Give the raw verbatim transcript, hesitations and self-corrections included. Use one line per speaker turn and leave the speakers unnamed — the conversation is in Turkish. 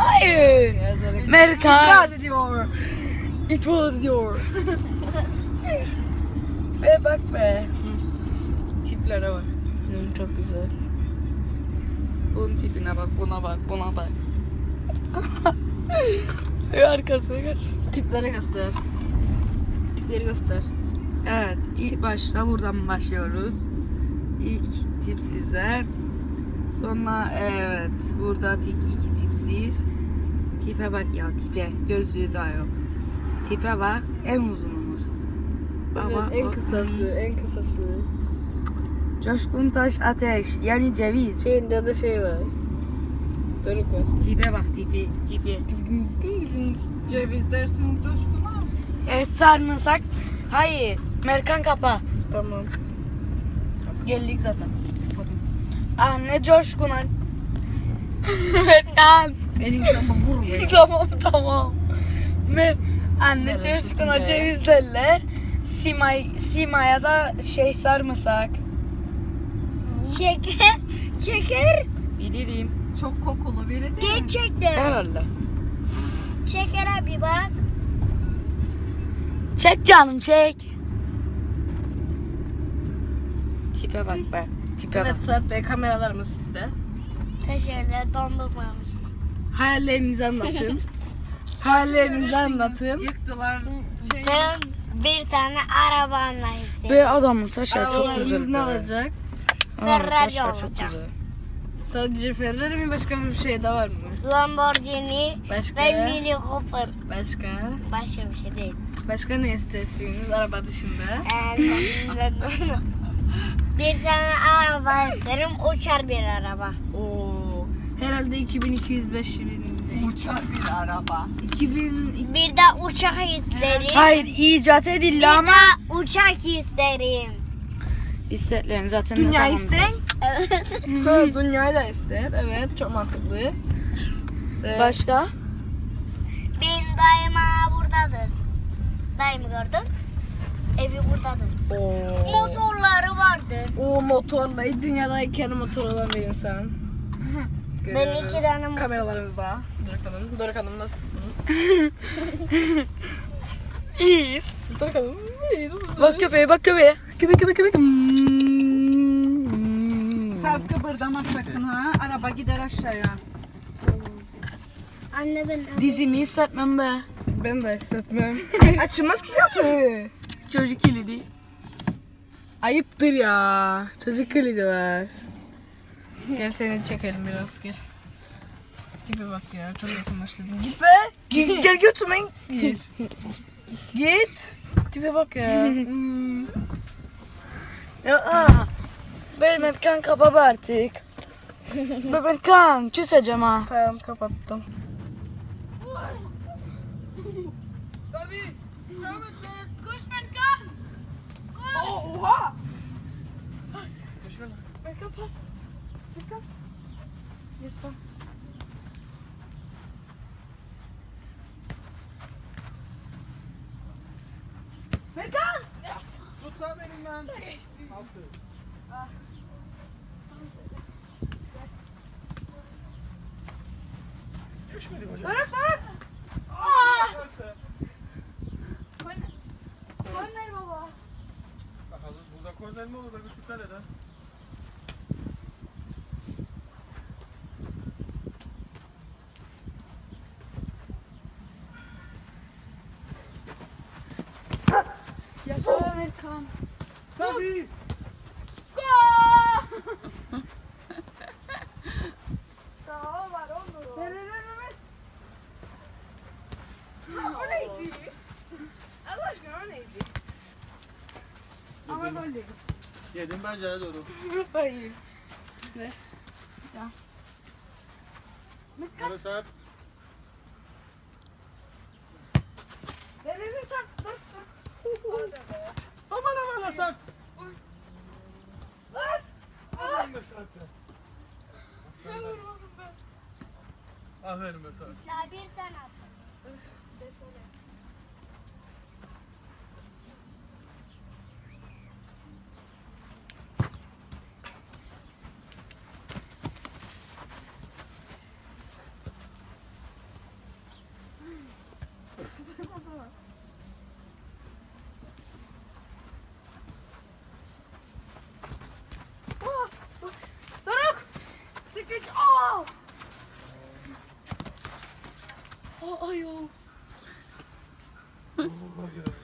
Hayır. Merkan.
İtiraz ediyor. İtiraz ediyor.
Be bak be.
Tiplere bak.
Hı, çok güzel. Bunun tipine bak, buna bak, buna bak. Arkasına kaç.
Tiplere göster. Tipleri göster.
Evet, ilk başta buradan başlıyoruz. İlk tip sizden. Sonra evet, burada tip iki tipsiz. Tipe bak ya, tipe. Gözlüğü daha yok. Tipe bak, en uzunumuz.
Evet,
Ama
en
o-
kısası, en kısası.
Coşkun Taş Ateş, yani ceviz.
Şeyinde de şey var. Doruk var.
Tipe bak, tipi, tipi.
Ceviz dersin coşkuna.
Evet, sarımsak. Hayır, Merkan kapa.
Tamam.
Geldik zaten. Anne Coşkun. Merkan.
Benim şu anda vurmuyor.
Tamam tamam. Mer Anne
Evet,
Coşkun'a
içinde.
ceviz derler. Simay, Sima'ya da şey sarımsak.
Şeker, şeker
Bilirim.
Çok kokulu biri değil mi?
gerçekten.
Herhalde.
Şekere bir bak.
Çek canım çek. Tipe bak be. Tipe
Evet
bak.
Suat Bey, kameralarımız sizde.
Teşekkürler, dondurmamış.
Hayallerinizi anlatın. Hayallerinizi anlatın.
Yıktılar.
Ben bir tane araba almak istedim.
Be adamın saçları çok
Arabalarımız
güzel.
ne
be.
olacak?
Adamın
Ferrari
saçları çok
olacak.
güzel.
Sadece Ferrari mi, başka bir şey de var mı?
Lamborghini
Başka?
ve Mini Cooper.
Başka?
Başka bir şey değil.
Başka ne istersiniz araba dışında?
Ee, bir tane araba isterim, uçar bir araba.
Oo, herhalde iki bin iki yüz beş yılında.
Uçar bir araba.
iki bin
Bir de uçak isterim.
Hayır icat
Bir
edildi ama.
de uçak isterim.
İsteklerin zaten
Dünya
ne zaman
isten?
Evet.
Ha, dünyayı da ister. Evet, çok mantıklı. Ee,
Başka?
Benim dayım hala buradadır. Dayımı gördün? Evi buradadır.
Oo.
Motorları vardır.
O motorla dünyadayken motor olan bir insan.
Ben
Görüyoruz.
iki tane motor-
Kameralarımızda. Doruk Hanım. Doruk Hanım nasılsınız?
İyiyiz.
Doruk Hanım iyi, nasılsınız?
Bak köpeğe bak köpeğe.
Köpek köpek köpek.
Sarp kıpırdama sakın ha. Araba gider aşağıya.
Anne ben
Dizimi hissetmem be.
Ben de hissetmem. Açılmaz ki kapı.
Çocuk kilidi.
Ayıptır ya. Çocuk kilidi var. Gel seni çekelim biraz, gel. Tipe bak ya, çok yakınlaştırdım. Git be. Git, gel götürme. Git. Git. Tipe bak ya.
Ya Mehmet kan kapa be artık. Mehmet kan küseceğim ha.
Tamam, kapattım.
Tutsa benim lan. Altı. Düşmedi hocam. Bırak bırak.
Korner baba.
Bakalım burada korner mi olur da küçük kaleden.
Yaşa Mehmet kan.
Sabi.
Sağ var onu.
Ver ver ver ver. O neydi? Allah aşkına o neydi? Ama böyle.
Yedim pencere doğru.
Hayır.
Böyle Sarp.
Ver ver ver sen. Dur dur.
Aman aman Sarp. Aman be Sarp ya. Aferin be Sarp.
Ya bir tane attım.
Doruk! Sıkış! Aa! Aa ayol.